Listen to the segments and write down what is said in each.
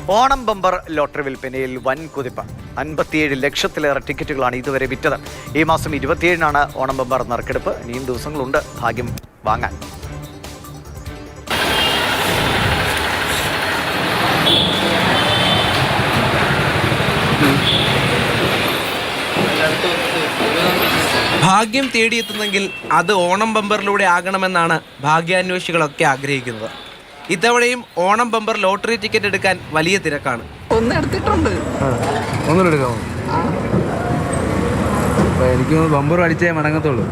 Onam bumper lottery വിൽപ്പനയിൽ വൻ കുതിപ്പ്. 57 ലക്ഷത്തിലേറെ ടിക്കറ്റുകളാണ് ഇതുവരെ വിറ്റത്. ഈ മാസം 27-നാണ് ഓണം ബമ്പർ നറുക്കെടുപ്പ്. ഇനിയും ദിവസങ്ങളുണ്ട് ഭാഗ്യം വാങ്ങാൻ. ഭാഗ്യം തേടിയെത്തുന്നെങ്കിൽ അത് ഓണം ബമ്പറിലൂടെ ആകണമെന്നാണ് ഭാഗ്യാന്വേഷികളൊക്കെ ആഗ്രഹിക്കുന്നത്. ഇത്തവണയും ഓണം ബമ്പർ ലോട്ടറി ടിക്കറ്റ് എടുക്കാൻ വലിയ തിരക്കാണ്. എനിക്ക് ബമ്പർ അടിച്ചേ മടങ്ങത്തുള്ളൂ.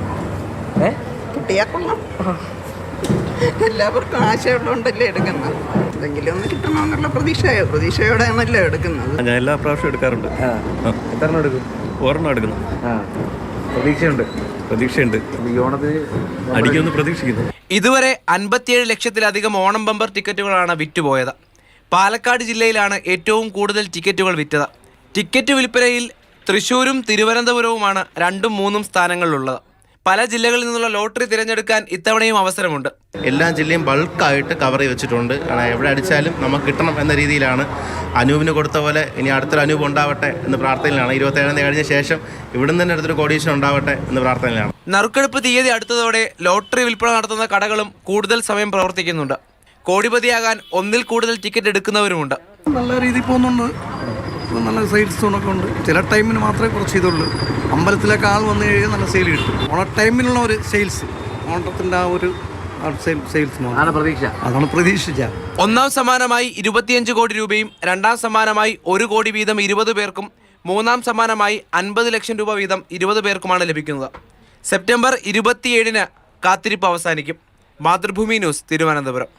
എല്ലാവർക്കും ആശയമുള്ളതുകൊണ്ടല്ലേ എടുക്കുന്നത്. എന്തെങ്കിലും ഒന്ന് കിട്ടണമെന്നുള്ള പ്രതീക്ഷയോടെയാണല്ലോ എടുക്കുന്നത്. ഞാൻ എല്ലാ പ്രാവശ്യവും എടുക്കാറുണ്ട്. എത്ര എടുക്കും? ഒരെണ്ണം എടുക്കുന്നു. പ്രതീക്ഷയുണ്ട്. അടിക്കുമെന്ന് പ്രതീക്ഷിക്കുന്നു. ഇതുവരെ 57 ലക്ഷത്തിലധികം ഓണം ബമ്പർ ടിക്കറ്റുകളാണ് വിറ്റുപോയത്. പാലക്കാട് ജില്ലയിലാണ് ഏറ്റവും കൂടുതൽ ടിക്കറ്റുകൾ വിറ്റത്. ടിക്കറ്റ് വിൽപ്പനയിൽ തൃശ്ശൂരും തിരുവനന്തപുരവുമാണ് 2ഉം 3ഉം സ്ഥാനങ്ങളിലുള്ളത്. പല ജില്ലകളിൽ നിന്നുള്ള ലോട്ടറി തിരഞ്ഞെടുക്കാൻ ഇത്തവണയും അവസരമുണ്ട്. എല്ലാ ജില്ലയും ബൾക്കായിട്ട് കവർ ചെയ്ത് വെച്ചിട്ടുണ്ട്. എവിടെ അടിച്ചാലും നമുക്ക് കിട്ടണം എന്ന രീതിയിലാണ്. അനൂപിന് കൊടുത്ത പോലെ ഇനി അടുത്തൊരു അനൂപ് ഉണ്ടാവട്ടെ എന്ന് പ്രാർത്ഥനയിലാണ്. 27 കഴിഞ്ഞ ശേഷം ഇവിടുന്ന് തന്നെ അടുത്തൊരു കോടീശ്വരൻ ഉണ്ടാവട്ടെ എന്ന് പ്രാർത്ഥനയിലാണ്. നറുക്കെടുപ്പ് തീയതി അടുത്തതോടെ ലോട്ടറി വിൽപ്പന നടത്തുന്ന കടകളും കൂടുതൽ സമയം പ്രവർത്തിക്കുന്നുണ്ട്. കോടിപതിയാകാൻ ഒന്നിൽ കൂടുതൽ ടിക്കറ്റ് എടുക്കുന്നവരുമുണ്ട്. നല്ല രീതിയിൽ പോകുന്നുണ്ട്. നല്ല സെയിൽസ് സോണൊക്കെ ഉണ്ട്. ചില ടൈമിന് മാത്രമേ കുറച്ച് ഇതുള്ളൂ. അമ്പലത്തിലൊക്കെ ആൾ വന്നു കഴിഞ്ഞാൽ നല്ല സെയിൽ കിട്ടും. ഓണ ടൈമിനുള്ള ഒരു സെയിൽസ്, ഓണത്തിൻ്റെ ആ ഒരു സെയിൽസ് അതാണ് പ്രതീക്ഷിച്ച. ഒന്നാം സമ്മാനമായി 25 കോടി രൂപയും രണ്ടാം സമ്മാനമായി 1 കോടി വീതം 20 പേർക്കും മൂന്നാം സമ്മാനമായി 50 ലക്ഷം രൂപ വീതം 20 പേർക്കുമാണ് ലഭിക്കുന്നത്. സെപ്റ്റംബർ 27-ന് കാത്തിരിപ്പ് അവസാനിക്കും. മാതൃഭൂമി ന്യൂസ്, തിരുവനന്തപുരം.